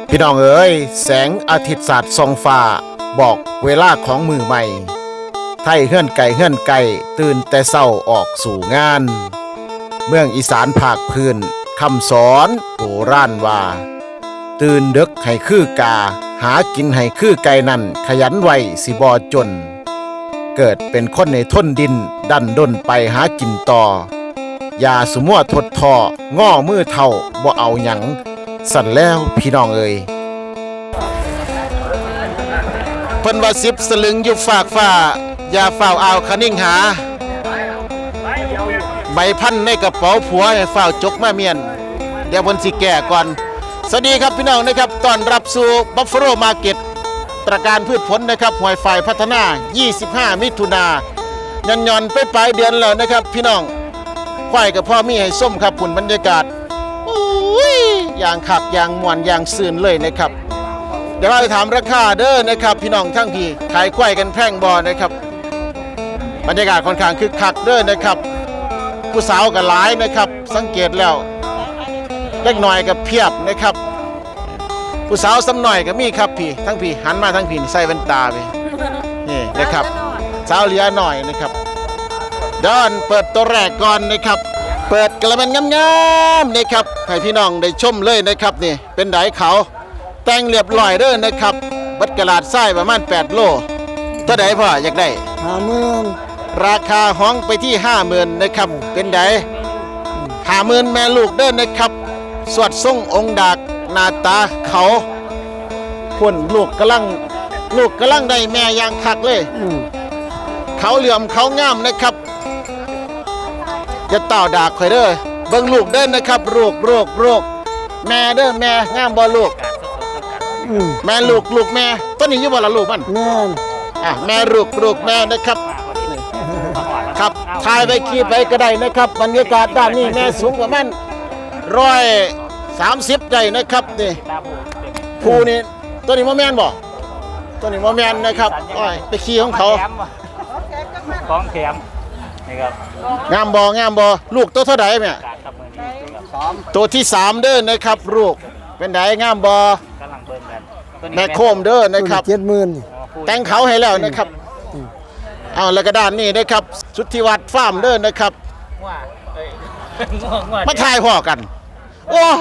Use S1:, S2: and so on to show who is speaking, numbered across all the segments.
S1: พี่น้องเอ๋ยแสงอาทิตย์สาดส่องฟ้าบอกเวลาของมือใหม่ไทยเฮื่อนไก่ตื่นแต่เศร้าออกสู่งานเมืองอีสานภาคพื้นคำสอนโบราณว่าตื่นดึกให้คือกาหากินให้คือไก่นั่นขยันไว้สิบอจนเกิดเป็นคนในทนดินดันด้นไปหากินต่ออย่าสมัวทดทอง้อมือเท่าบ่เอาหยังสั่นแล้วพี่น้องเอ่ยเพิ่นว่า10สลึงอยู่ฝากฟ้าอย่าเฝ้าเอาคนิ่งหาใบพันในกระเป๋าผัวให้เฝ้าจกมาเมียนเดี๋ยวเพิ่นสิแก่ก่อนสวัสดีครับพี่น้องนะครับต้อนรับสู่ Buffalo Market ตระการพืชผลนะครับหวยฝ่ายพัฒนา25มิถุนายนย่อนๆไปปลายเดือนแล้วนะครับพี่น้องควายกับพ่อมีให้ส้มครับคุณบรรยากาศอย่างขับอย่างมวนอย่างซื่นเลยนะครับเดี๋ยวเราไปถามราคาเด้อนะครับพี่น้องทั้งพี่ขายควายกันแพร่งบอนะครับบรรยากาศค่อนข้างคึกคักเด้อนะครับผู้สาวกันหลายนะครับสังเกตแล้วเล็กหน่อยกับเพียบนะครับผู้สาวซ้ำหน่อยก็มีครับพี่ทั้งพี่หันมาทั้งพี่ใส่แว่นตาไปนี่นะครับสาวเหลือหน่อยนะครับเดินเปิดตัวแรกก่อนนะครับเปิดกระมันงามๆนะครับให้พี่น้องได้ชมเลยนะครับนี่เป็นไดเขาแต่งเรียบร้อยเด้อนะครับบัดกระดาษทรายประมาณ8โลตัวใดพ่ออยากได้
S2: 50,000
S1: ราคาห้องไปที่ 50,000นะครับเป็นได50,000แม่ลูกเด้อนะครับสวดทรงองค์ดากหน้าตาเขาพุ่นลูกกำลังได้แม่ยางคักเลยเขาเหลื่อมเขางามนะครับจะเต่าดากข่อยเด้อเบิ่งลูกเด้อนะครับลูกแม่เด้อแม่งามบ่ลูกแม่ลูกแม่ต้นนี้อยู่บ่ล่ะลูกมัน
S2: แม่น
S1: แม่ลูกแม่นะครับครับถ่ายไปขี่ไปก็ได้นะครับบรรยากาศด้านนี้แม่สูงประมาณ130ใจนะครับนี่ผู้นี่ต้นนี้บ่แม่นบ่ต้นนี้บ่แม่นนะครับไปขี่ของเขา
S3: ของแถมนี่ครับ
S1: งามบ่ลูกตัวเท่าใดแม่ตัวที่3เด้อนะครับลูกเป็นไดงามบ่
S3: กำลังเบิ่งกัน
S1: แม่โคมเด้อนะครับ
S2: 70,000
S1: แต่งเขาให้แล้วนะครับเอาแล้วก็ด้านนี้นะครับสุทธิวัฒน์ฟาร์มเด้อนะครับมาถ่ายพ่อกันโอ้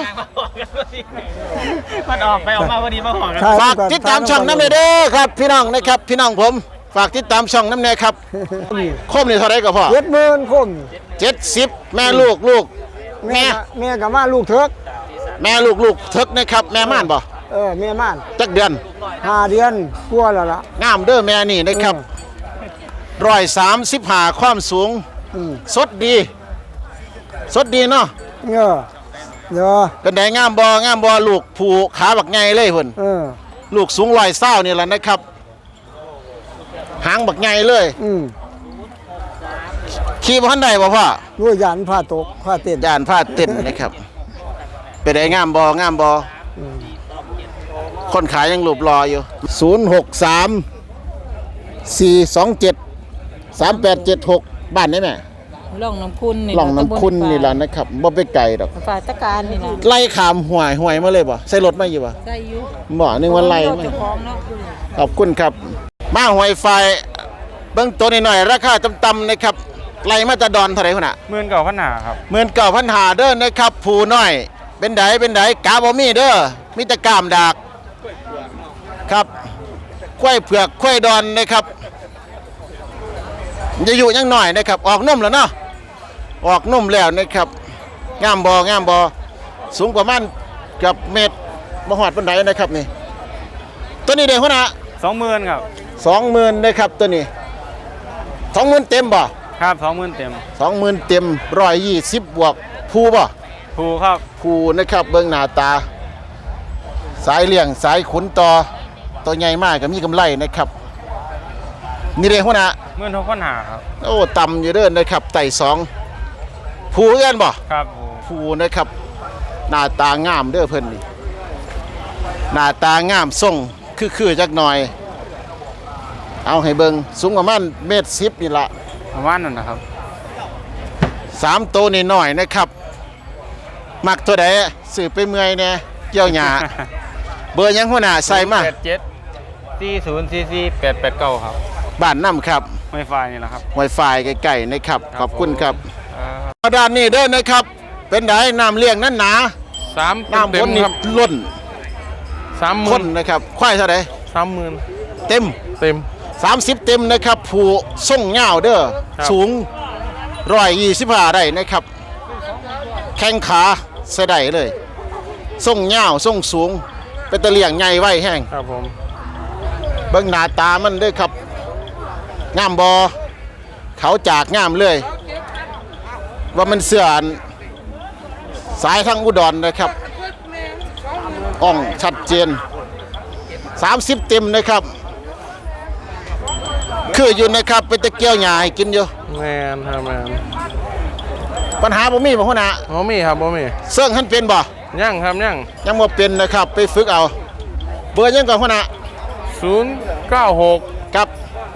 S3: มันออกไปออกมาพอดีมาหอกัน
S1: ฝากติดตามช่องน้ำเนเด้อครับพี่น้องนะครับพี่น้องผมฝากติดตามช่องน้ำเนครับโคมนี่เท่าไรก็พอ
S2: 70,000คม
S1: 70แม่ลูก
S2: แม่กับมาลูกเถิก
S1: แม่ลูกเถิกนะครับแม่ม่านบ่
S2: แม่ม่าน
S1: จักเดือน
S2: 5 เดือนกลัวแล้วล่ะ
S1: งามเด้อแม่นี่นะครับ135ความสูงสดดีเนาะเป็นไดงามบ่ลูกผูขาบักไงเลยพุ่นลูกสูง120นี่แหละนะครับหางบักไงเลยขี่บ่ทันได้บ่พ่อ
S2: ด้วยยานผ้าตกผ้าเต้น
S1: ยานผ้าเต้นนะครับเป็นไดงามบ่คนขายยังรูปรออยู่063-427-3876บ้านได้ไหม
S4: ล่องน้ำคุณนี่
S1: แหละนะครับบ่ไปไกลดอก
S4: ฝ่ายตะการนี่นะ
S1: ไล่ขามห่วยมาเลยบ่ใส่รถมาอยู่บ่
S4: ใส่อยู่
S1: บ่นึงว่าไล่มาขอบคุณครับมาหวยไฟเบิ่งตัวน้อยๆราคาต่ำๆนะครับไล่มาจะดอนเท่าไหร่พุ่นน่ะ
S3: 19,500ครับ
S1: 19,500เด้อนะครับผู้น้อยเป็นไดกาบ่มีเด้อมีแต่กล้ามดากครับควายเผือกควายดอนนะครับจะอยู่ยังหน่อยนะครับออกนุ่มแล้วเนาะออกนุ่มแล้วนะครับงามบ่สูงประมาณเกือบเมตรบ่ฮอดปานใดนะครับนี่ตัวนี้เด้พุ่นน่ะ
S3: 20,000ครับ
S1: 20,000นะครับตัวนี้20,000เต็มบ่
S3: ครับ20,000เต็ม
S1: 20,000เต็ม120บวกผู้บ่
S3: ผู้ครับ
S1: ผู้นะครับเบิ่งหน้าตาสายเลี้ยงสายขุนต่อตัวใหญ่มากก็มีกำไรนะครับนี่เด้พุ่นน่ะ
S3: 16,500ครับ
S1: โอ้ต่ำอยู่เด้อนะครับไต่2ผู้เอื้อนบ่
S3: ครับ
S1: ผู้นะครับหน้าตางามเด้อเพิ่นนี่หน้าตางามทรงคือจักหน่อยเอาให้เบิ่งสูงประมาณ1.10 นี่ล่ะ
S3: ประมาณนั้นนะครับ
S1: 3ตัวนี่น้อยนะครับมักตัวใดซื้อไปเมื่อยแน่เกี่ยวหญ้าเบอร์ยังหัวหน้าใส่มา
S3: 87 4044 889ครับ
S1: บ้านน้ำครับ
S3: ไวไฟนี่แหละครับ
S1: Wi-Fi ใกล้ๆนะครับ
S3: ครับ
S1: ขอบคุณครับ
S3: ผม
S1: ด้านนี้เด้อนะครับ เป็นไดน้ำเลี้ยงนั้นหนา
S3: 3
S1: น้ำ
S3: เต็
S1: บ
S3: ม
S1: นนี่
S3: ครับ
S1: ล้น
S3: 30,000
S1: คนนะครับควายเท่าไหร่
S3: 30,000
S1: เต็ม
S3: เต็ม
S1: 30 เต็มนะครับผู้ส่งเงาวเด้อ
S3: ครับ
S1: สูง125ได้นะครับ แข้งขาเสยได้เลยส่งเงาวส่งสูง เป็นตะเลียงใหญ่ไว้แห้ง
S3: ครับผม
S1: เบิ่งหน้าตามันเด้อครับงามบอเขาจากงามเลย ว่ามันเสื่อนสายทางอุดรนะครับอ่องชัดเจน30 เต็มนะครับ คืออยู่นะครับเป็นตะเกียวหญ้าให้กินอยู่
S3: แมนครับแมน
S1: ปัญหาบ่มีบ่หัวหน้า
S3: บ่มีครับบ่มี
S1: เสิ่งหันเป็นบ่
S3: ยังครับยัง
S1: ยังบ่เป็นนะครับไปฝึกเอาเบอร์ยังก่อนหัวหน้า
S3: 096
S1: ครับ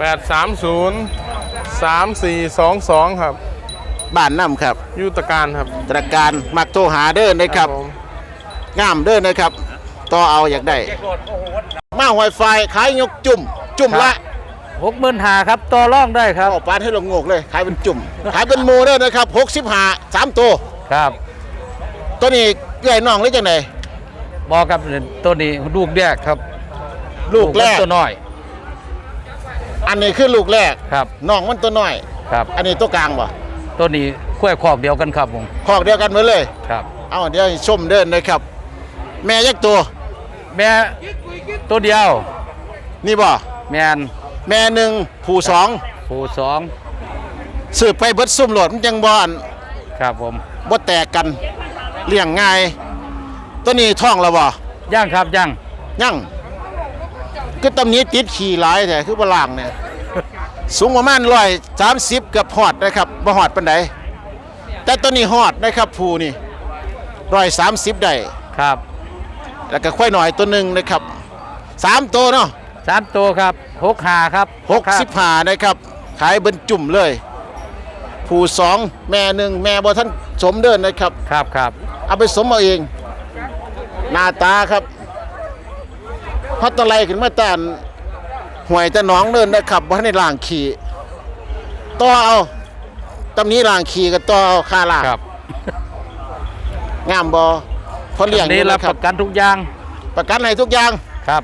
S3: 830 3422ครับ
S1: บ้านน้ำครับ
S3: ยุตการครับ
S1: ตระการมักโทรหาเด้อนะครับ
S3: ผม
S1: งามเด้อนะครับต่อเอาอยากได้มาไวไฟขายยกจุ่มละ
S5: 65,000ครับต่อรองได้ครับ
S1: เอาปานให้ลงงกเลยขายเป็นจุ่ม ขายเป็นโมเด้อนะครับ65 3ตัว
S5: ครับ
S1: ตัวนี้ใหญ่น้องหรือจังได
S5: บอกครับตัวนี้ลูกแรกครับ
S1: ลูกแรก
S5: มันตัวน้อย
S1: อันนี้คือลูกแรก
S5: ครับ
S1: น้องมันตัวน้อย
S5: ครับ
S1: อันนี้ตัวกลางบ่
S5: ตัวนี้คุ้ยคอกเดียวกันครับผม
S1: คอกเดียวกันหมดเลย
S5: ครับ
S1: เอาเดี๋ยวให้ชมเดินนะครับ แม่ยักษ์ตัว
S5: แม่ตัวเดียว
S1: นี่บ่
S5: แมน
S1: แม่หนึ่งผู้สอง
S5: ผู้สอง
S1: สืบไปเบิดซุ่มโหลดมันจังบ่อน
S5: ครับผม
S1: บ่แตกกันเลี้ยงง่ายตัวนี้ท้องแล้วบ่
S5: ย่างครับย่าง
S1: ยังคือตำนี้ติดขี่หลายแต่คือบ่ล่างเนี่ย สูงประมาณ130เกือบฮอดนะครับบ่ฮอดปานใดแต่ตัวนี้ฮอดนะครับผู้นี่130ได้
S5: ครับ
S1: แล้วก็ค่อยหน่อยตัวหนึงนะครับ3ตัวเนาะ
S5: 3ตัวครับ65ครับ
S1: 65นะครับขายเบิ่นจุ่มเลย ผู้2แม่หนึ่งแม่บ่ทันสมเดินนะครับ
S5: ครับครับ
S1: เอาไปสมเอาเอง หน้าตาครับฮอตตะไลขึ้นมาตานห่วยแต่หน้องเดินนะครับบ่ทันได้ล้างขี้ต่อเอาตำนี้ล้างขี้ก็ต่อเอาค่าล้าง
S5: ครับ
S1: งามบ่พอเลี้ยง
S5: นี้
S1: อยู่
S5: รับ
S1: นะค
S5: ป
S1: รับ
S5: ระกันทุกอย่าง
S1: ประกันให้ทุกอย่าง
S5: ครับ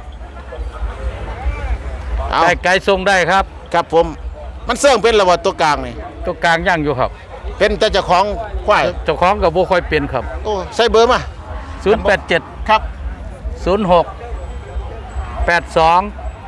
S1: เอา
S5: ได้ไกลส่งได้ครับ
S1: ครับผมมันเสื่องเป็นระบบตัวกลางนี่
S5: ตัวกลางย่างอยู่ครับ
S1: เป็นแต่เจ้าของควาย
S5: เจ้าของกับบ่ค่อยเป็นครับ
S1: โอ้ใส่เบอร์มา
S5: 087
S1: ครับ
S5: 06 82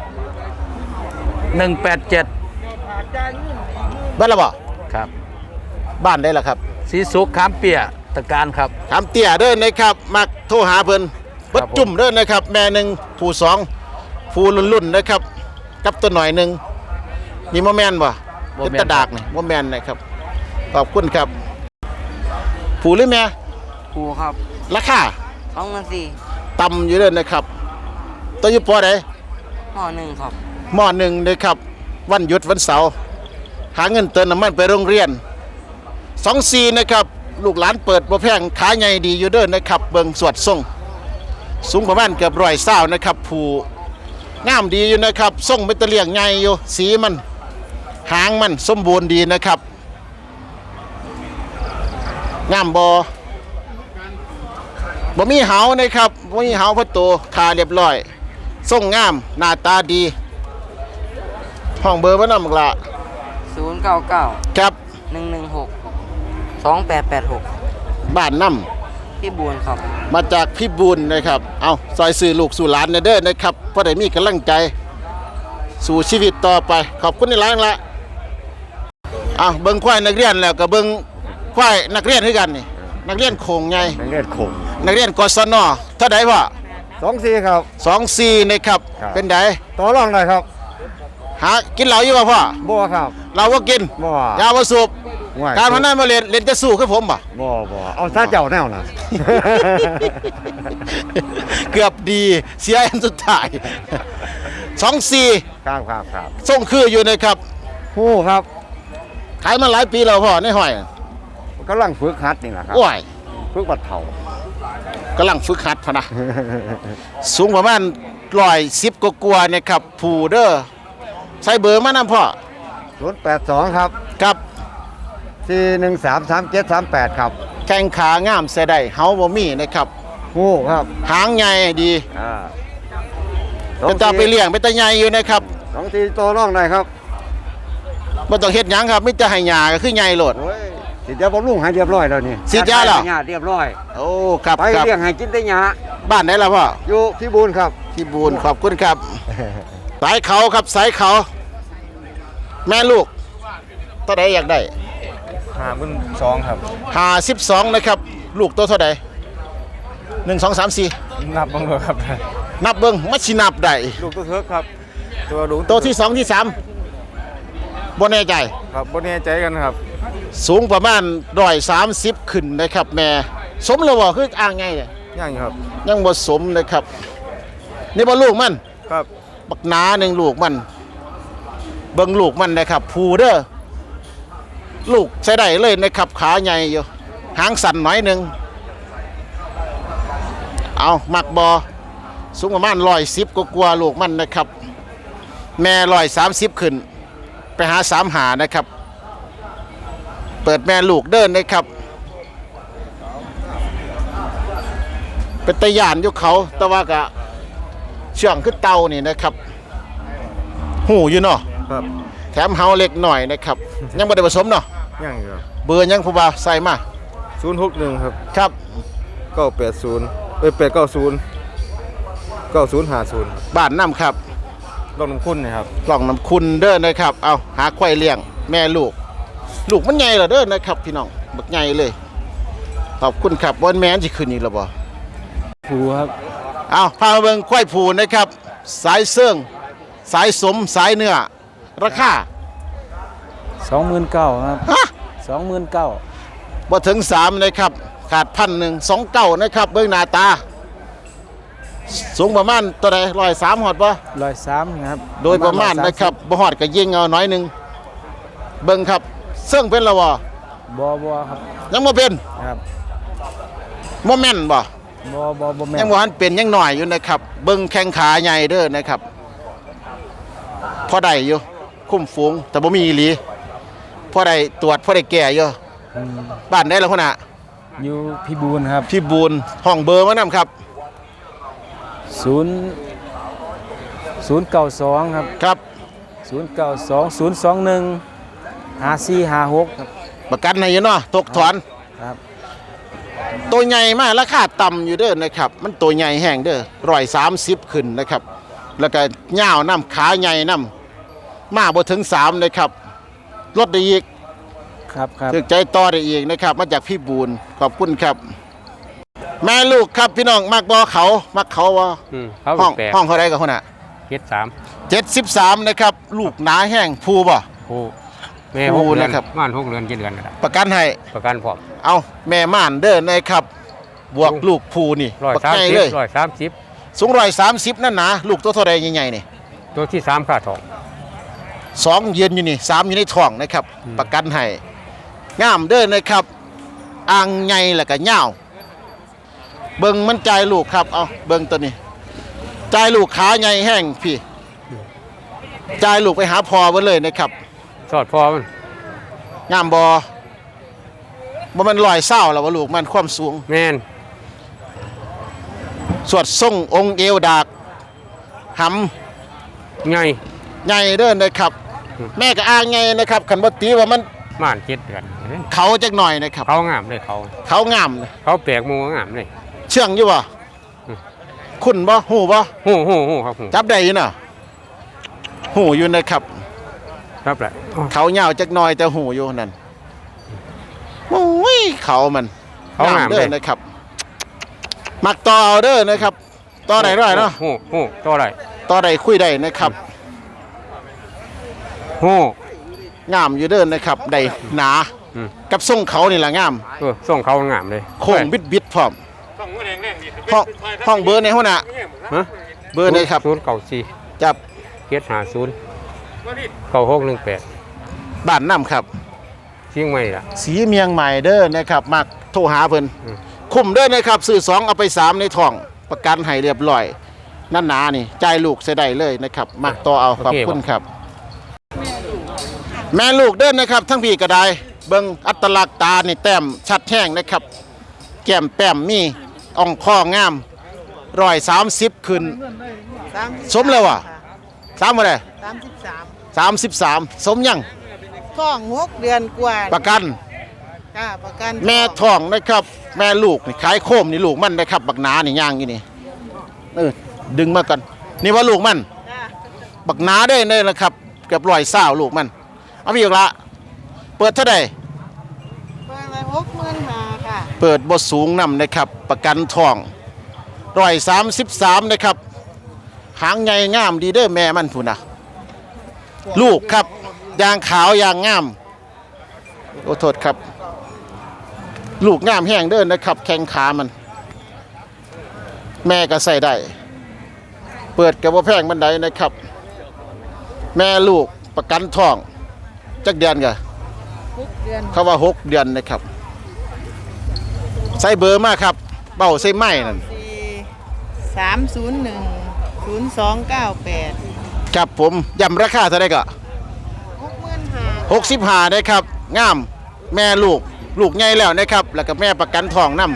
S5: 187
S1: บ้านละบ่
S5: ครับ
S1: บ้านได้ละครับ
S5: สีสุขขามเปียตะการครับ
S1: ถามเตี้ยเด้อนะครับมักโทรหาเพิ่นเบิด
S5: ครับผม
S1: จุ่มเด้อนะครับ แม่หนึ่งผู้สองผู้รุ่นๆนะครับ กับตัวหน่อยหนึ่งนี่โมแมนบ่เป็นตะดากนี่โมแมนนะครับขอบคุณครับ ผู้หรือแม่
S6: ครูครับ
S1: ราคา
S6: 2,400
S1: ต่ำอยู่เด้อนะครับ ตัวอยู่ปอใด
S6: ห่อหนึ่งครับ
S1: มอหนึ่งนะครับวันหยุดวันเสาร์หาเงินเติมน้ำมันไปโรงเรียน24นะครับลูกหลานเปิดบ่แพงขายใหญ่ดีอยู่เด้อนะครับเบิ่งสวดทรงสูงประมาณเกือบ120นะครับผู้งามดีอยู่นะครับทรงเป็นตะเลียงใหญ่อยู่สีมันหางมันสมบูรณ์ดีนะครับงามบ่มีเหานะครับบ่มีเหาพระโตขาเรียบร้อยทรงงามหน้าตาดีห้องเบอร์บ่นำละ
S6: 099
S1: ครับ
S6: 116 2886
S1: บ้านน้
S6: พี่บูนครับ
S1: ำมาจากพี่บุญนะครับเอาซอยสื่อลูกสู่หลานเด้อนะครับเพราะได้มีกำลังใจสู่ชีวิตต่อไปขอบคุณในร้านละเอาเบิ่งควายนักเรียนแล้วก็เบิ่งควายนักเรียนคือกันนี่นักเรียนโขงไง
S2: นักเรียนคง
S1: นักเรียนกศนเท่าใดพ่อ
S2: 24ครับ
S1: 24นะครับ
S2: ครับ
S1: เป็นได
S2: ต่อรองได้ครับ
S1: หากินเหล้าอยู่ป่ะพ่อ
S2: บ่ครับ
S1: เราก็กิน
S2: บ่
S1: ยาบ่สูบ
S2: ห่วย
S1: การพนันมาเล่นจะสู้คือผมป่ะ
S2: บ่เอาซะเจ้าแนวน่ะ
S1: เกือบดีเสียอันสุดท้าย24
S2: ครับ
S1: ส่งคืออยู่นะครับ
S2: ฮู้ครับ
S1: ขายมาหลายปีแล้วพ่อในห้อย
S2: กำลังฝึกหัดนี่แหละครับ
S1: โอ้ย
S2: ฝึกบัดเฒ่า
S1: กำลังฝึกหัดพะนะ สูงประมาณ110กว่าๆเนี่ยครับผูเด้อใส่เบอร์มานำพ่อ
S2: 082ครับ
S1: ครับ
S2: 4133738ครับ
S1: แข้งขางามใส่ได้เฮาบ่มีนะครับ
S2: งูครับ
S1: หางใหญ่ดี
S2: อ่า
S1: เป็นตาไปเลี้ยงเป็นตาใหญ่อยู่นะครับ
S2: 2-4ตัวน้องได้ครับ
S1: บ่ต้องเฮ็ดหยังครับมีแต่ให้หญ้าก็คือใหญ่โลด
S2: โอ้ยสิยาบำรุงให้เรียบร้อยแล้วนี่
S1: ฉีดยาเหรอ
S2: ให้เรียบร้อย
S1: โอ้ครับ
S2: ไป
S1: ครับ
S2: เลี้ยงให้กินแต่หญ้า
S1: บ้านไหนล่ะพ่อ
S2: อยู่พี่บูนครับ
S1: ที่บูนขอบคุณครับ สายเขาครับสายเขา แม่ลูกตัวใดอยากได้
S3: 52ครับ
S1: 52นะครับ ลูกตัวเท่าใด1 2 3 4
S3: นับบ้างเลยครับ
S1: นับเบิ่งมัดสินับได้
S3: ลูกตัวเทิกครับ ตัวลุง
S1: ตัวที่2ที่3บ่แน่ใจ
S3: ครับบนนี้ใจกันครับ
S1: สูงประมาณ130ขึ้นนะครับแม่สมแล้วบ่คืออ่างไงเนี่ย
S3: ย่างอยู่ครับ
S1: ยังบ่สมนะครับ นี่บ่ลูกมัน
S3: ครับ
S1: บักหนาหนึ่งลูกมัน เบิ่งลูกมันนะครับผูเด้อลูกใช้ได้เลยนะครับขาใหญ่อยู่หางสั่นหน่อยหนึ่งเอามักบอสูงประมาณ110กว่าๆลูกมันนะครับ แม่130ขึ้น ไปหา3หานะครับ เปิดแม่ลูกเดินนะครับ เป็นตะยานอยู่เขาแต่ว่ากะเชื่องขึ้นเตานี่นะครับ หูอยู่เนาะ
S3: ครับ
S1: แถมเฮาเล็กหน่อยนะครับ ยังไม่ได้ผสมเนาะ
S3: ย่างอยู่ครับ
S1: เบอร์ยังผู้บ่าวใส่มา
S3: 061ครับ
S1: ครับ
S3: 980 890 9050
S1: บ้านน้ำครับ
S3: ลองน้ำคุณนะครับ
S1: กล่องน้ำคุณเด้อนะครับ เอาหาควายเลี้ยงแม่ลูก ลูกมันใหญ่เหรอเด้อนะครับ พี่น้องบักใหญ่เลยขอบคุณครับวันแม่นสิขึ้นอีกแล้วบ่
S3: ผูครับ
S1: เอาพามาเบิ่งควายผูนะครับ สายเสื่องสายสมสายเนื้อราคา
S3: 29,000ครับ
S1: ฮะ
S3: 29,000
S1: บ่ถึง3นะครับขาด1,129นะครับเบิ่งหน้าตา สูงประมาณตัวใด103ฮอดบ่
S3: 103ครับ
S1: โดยประมาณนะครับบ่ฮอดก็ยิงเอาน้อยหนึงเบิ่งครับเสื่องเป็นแล้วบ่
S3: บ่ครับ
S1: ยังบ่เป็น
S3: ครับ
S1: บ่แม่นบ่
S3: บ่แม่น
S1: ยังบ่ทันเป็นยังหน่อยอยู่นะครับ เบิ่งแข้งขาใหญ่เด้อนะครับพอได้อยู่คุ้มฝูงแต่บ่มีอีหลีพอได้ตรวจพอได้แก้อยู่บ้านได้แล้วพุ่นน่ะ
S3: อยู่พี่บูนครับ
S1: พี่บูนห้องเบอร์มานำครับ
S3: 092ครับ
S1: ครับ
S3: 092 021 5456ครับ
S1: ประกันให้อยู่เนาะตกถอน
S3: ครับ
S1: ตัวใหญ่มากราคาต่ำอยู่เด้อนะครับ มันตัวใหญ่แห้งเด้อ130ขึ้นนะครับ แล้วก็ยาวน้ำขาใหญ่น้ำมาบ่ถึง3นะครับลดได้อีก
S3: ครับ
S1: ถึกใจต่อได้อีกนะครับ มาจากพี่บูนขอบคุณครับ แม่ลูกครับพี่น้องมักบ่เขามักเขาบ่
S7: เขา
S1: ห้อง
S7: แปลก
S1: ห้องเขาได้กับคนน่ะ 73นะครับ ลูกหนาแห้งภูบ่
S7: ผู้แม่
S1: ผู้
S7: 6 เดือน
S1: นะครับ
S7: ม่าน6 เดือน7 เดือนก็ได้
S1: ประกันให้
S7: ประกันพร้อม
S1: เอาแม่ม่านเด้อนะครับ บวกลูกภูนี่บักใหญ่เลย
S7: 130
S1: สูง130นั่นนะลูกตัวเท่าใดใหญ่ๆนี่
S7: ตัวที่3ค่าทอง
S1: 2ยืนอยู่นี่3อยู่ในท้องนะครับ ประกันให้งามเด้อนะครับอ่างใหญ่แล้วก็ยาวเบิ่งมันใจายลูกครับเอาเบิ่งตัวนี้ใจายลูกขาใหญ่แห้งพี่ใจายลูกไปหาพอเบิ่เลยนะครับ
S7: สอดพอมัน
S1: งามบ่มัน120แล้วว่าลูกมันความสูง
S7: แม่น
S1: สวดทรงองค์เอวดากห
S7: ใหญ่
S1: ำใหญ่เด้อนะครับ แม่ก็อ้างไงนะครับขันบ่ตีว่ามัน
S7: ม่าน7 เดือน
S1: เขาจักหน่อยนะครับ
S7: เขางามเลยเขา
S1: เขางามนะ
S7: เขาแปลกหมูงามเลย
S1: เชื่องอยู่บ่คุณบ่หูบ่
S7: ฮู้ครับฮู้
S1: จับได้อยู่น่ะหูอยู่นะครับ
S7: ครับแหละ
S1: เขายาวจักหน่อยแต่หูอยู่นั่นโอ้ยเขามัน
S7: เขางาม
S1: เด้
S7: เล
S1: อย นะครับ มักต่อเอาเด้อนะครับ ต่อได้ด้วยเนาะ
S7: ฮู้ต่อได้
S1: ต่อได้คุยได้นะครับ
S7: ฮู้
S1: งามอยู่เด้อนะครับได้หนา
S7: อืม
S1: กับทรงเขานี่ล่ะงาม
S7: ส่งเขางามเลย
S1: โค้งบิดพร้อมห้องเบอร์ในหัวหน้า
S7: ฮะ
S1: เบอร์ไหนครับ
S7: 094
S1: จับ
S7: 750 9618
S1: บ้านน้ำครับ
S7: เชียงใหม่ล่ะ
S1: สีเมียงใหม่เด้อนะครับมักโทรหาเพิ่น
S7: อืม
S1: คคุ้มเด้อนะครับซื้อ2เอาไป3ในท้องประกันให้เรียบร้อยนั่นหนานี่จ่ายลูกใส่ได้เลยนะครับมักต่อเอาขอบคุณครับ แม่ลูกเด้อนนะครับทั้งพี่ก็ได้เบิ่งอัตลักษณ์ตานี่แต้มชัดแห้งนะครับแก้มแป้มมีอ่องข้องาม130ขึ้นสมแล้ววะ3บ่ได้ 33สมยัง
S4: ท้อง6 เดือนกว่า
S1: ประกัน
S4: จ้าประกัน
S1: แม่ท้องนะครับแม่ลูกนี่ขายโคมนี่ลูกมันนะครับบักหนานี่ย่างอยู่นี่ดึงมากันนี่ว่าลูกมัน
S4: จ้า
S1: บักหนาได้เลยนะครับเกือบ120ลูกมันเอาไปอีกละเปิดเท่าใด
S4: เปิดไว้65,000ค่ะ
S1: เปิดบ่สูงนำนะครับประกันทอง133นะครับหางใหญ่งามดีเด้อแม่มันพูนนะลูกครับยางขาวยางงามโอ้โทษครับลูกงามแห้งเด้อนะครับแข้งขามัน แม่ก็ใส่ได้เปิดกับบ่แพงบันไดนะครับ แม่ลูกประกันทองจักเดือนกะ
S4: 6 เดือน
S1: เขาว่า6 เดือนนะครับใส่เบอร์มากครับเบ้าใส่ไม้นั่น
S4: 301 0298
S1: ครับผมย้ำราคาเท่าไหร่ก็
S4: 65,000
S1: 65นะครับงามแม่ลูกใหญ่แล้วนะครับแล้วก็แม่ประกันทองนํ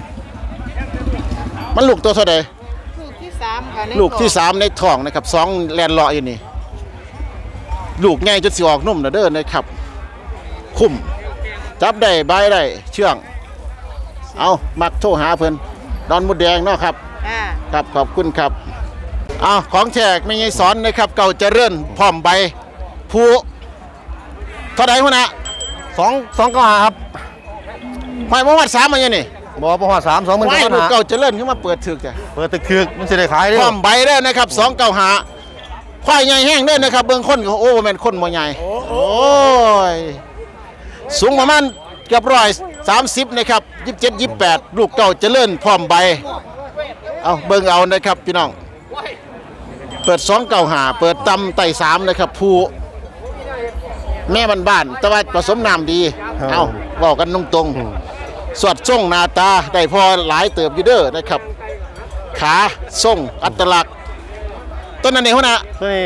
S1: มันลูกตัวเท่าใด
S4: ลูกที่3ค่ะใน
S1: ลูกที่
S4: ท้อง
S1: 3ในท้องนะครับ2แลนเลาะอยู่นี่ลูกใหญ่จนสิออกนุ่มนะเด้อนะครับคุ้มจับได้บายได้เชื่องเอามักโทรหาเพิ่นดอนมุดแดงเนาะครับ
S4: จ้า
S1: ครับขอบคุณครับเอาของแจกไม่ใช่สอนนะครับเก่าเจริญพร้อมใบผู้เท่าใดหัวหน้า
S2: 2ก็หาครับ
S1: หอยมวัด3มาอย่างนี่
S2: บ่บ่ฮอด3 20,000
S1: ไม่
S2: ก็
S1: ลูก
S2: หา
S1: เก่าเจริญขึ้นมาเปิดถึกจ้ะ
S2: เปิดตึกๆมันสิได้ขายเด้
S1: พร้
S2: อ
S1: อมใบได้นะครับ2เก่าหาควายใหญ่แห้งเด้อนะครับเบิ่งคนก็โอ้แม่นคนบ่ใหญ่โอ้ยสูงประมาณเกือบ130นะครับ27 28ลูกเก่าเจริญพร้อมใบเอาเบิ่งเอานะครับพี่น้องเปิด2เก่าหาเปิดตำไต่3นะครับผู้แม่บ้านๆแต่ว่าผสมน้ำดีเอาบอกกันตรงๆสวดส่งหน้าตาได้พอหลายเติบอยู่เด้อนะครับขาส่งอัตลักษณ์ต้นนั้นเองหัวหน้า
S2: ตัวนี้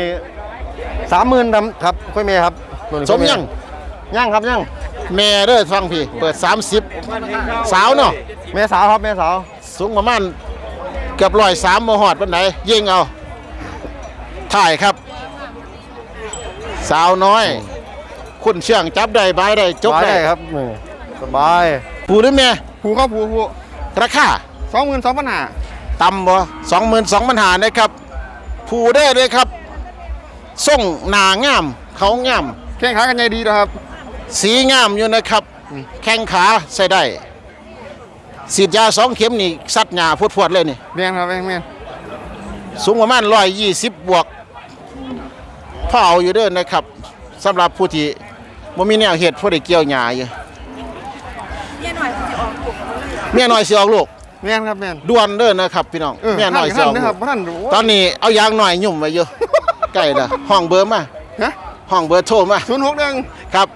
S2: 30,000ครับค่อยแม่ครับตัวนี้
S1: สมยัง
S2: ยังครับยัง
S1: แม่เด้อฟังพี่เปิด30สาวเนาะ
S2: แม่สาวครับแม่สาว
S1: สูงประมาณเกือบ103บ่ฮอดปานใดยิงเอาถ่ายครับ สาวน้อย คุณเชื่องจับได้บายได้จก
S2: สบาย
S1: ได้
S2: ได้ครับสบาย
S1: ผู้หรือแม่
S2: ผู้ครับผู้
S1: ราคา
S2: 22,000
S1: ต่ำบ่22,000หานะครับผู้ได้เลยครับส่งหนางามเขางาม
S2: แข่งขากันใหญ่ดีนะครับ
S1: สีงามอยู่นะครับ แข้งขาใส่ได้ฉีดยา2 เข็มนี่ซัดหญ้าพวดๆเลยนี่
S2: แม่นครับแม่น
S1: สูงประมาณ120บวกพอเอาอยู่เด้อนะครับสำหรับผู้ที่บ่มีแนวเฮ็ดผู้ได้เกี่ยวหญ้าอยู่เมียน้อยสิออกลูก
S2: แม่นครับแม่น
S1: ด่วนเด้อนะครับพี่น้องเมียน้อยสิออก
S2: นะ
S1: ลู
S2: ครับ
S1: ก
S2: บ่ทัน
S1: ตอนนี้เอายางหน่อยยุ่มไว้อยู่ ใกล้ละห้องเบอร์มา
S2: ฮะ
S1: ห้องเบอร์โทรมา
S2: 061
S1: ครับ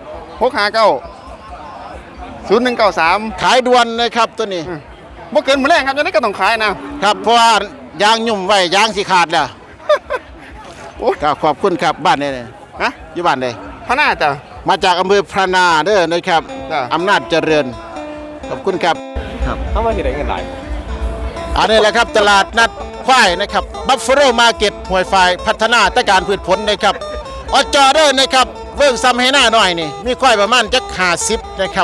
S2: 659 0193
S1: ขายด่วนนะครับตัวนี้
S2: บ่เกินมื้อแรงครับจะได้ก็ต้องขายนะครับ
S1: เพราะว่ายางยุ่มไว้ยางสิขาดแล้ว
S2: โอ้ย
S1: ครับขอบคุณครับบ้านไหนเนี่ย
S2: ฮะ
S1: อยู่บ้านไหน
S2: พะหน้าจ้ะ
S1: มาจากอำเภอพระนาเด้อนะครับ
S2: จ้ะ
S1: อำนาจเจริญขอบคุณครับ
S7: เฮามาสิได้เงินหลาย
S1: อันนี้แหละครับตลาดนัดควายนะครับบัฟฟาโลมาร์เก็ตห้วยไฟพัฒนาตะการพืชผลนะครับอจอเด้อนะครับเบิ่งซ้ำให้หน้าหน่อยนี่มีควายประมาณจัก50นะครับ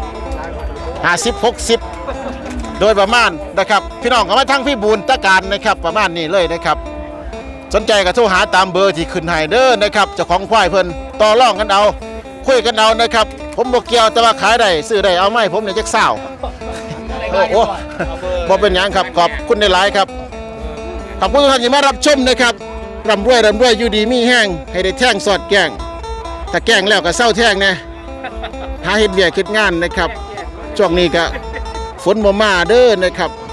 S1: 50 60โดยประมาณนะครับพี่น้องก็มาทั้งพี่บูนตะการนะครับประมาณนี้เลยนะครับสนใจก็โทรหาตามเบอร์ที่ขึ้นให้เด้อนะครับเจ้าของควายเพิ่นต่อรองกันเอาคุยกันเอานะครับผมบ่เกี่ยวแต่ว่าขายได้ซื้อได้เอาไหมผมเนี่ยจักสาวโอ้โหบ่เป็นหยังครับขอบคุณในหลายๆครับขอบคุณทุกท่านที่มารับชมนะครับร่ำรวยอยู่ดีมีแห้งให้ได้แท่งสอดแกงถ้าแกงแล้วก็เศร้าแท่งนะหาเฮ็ดเวียกเฮ็ดงานนะครับช่วงนี้ก็ฝนบ่มาเด้อนะครับ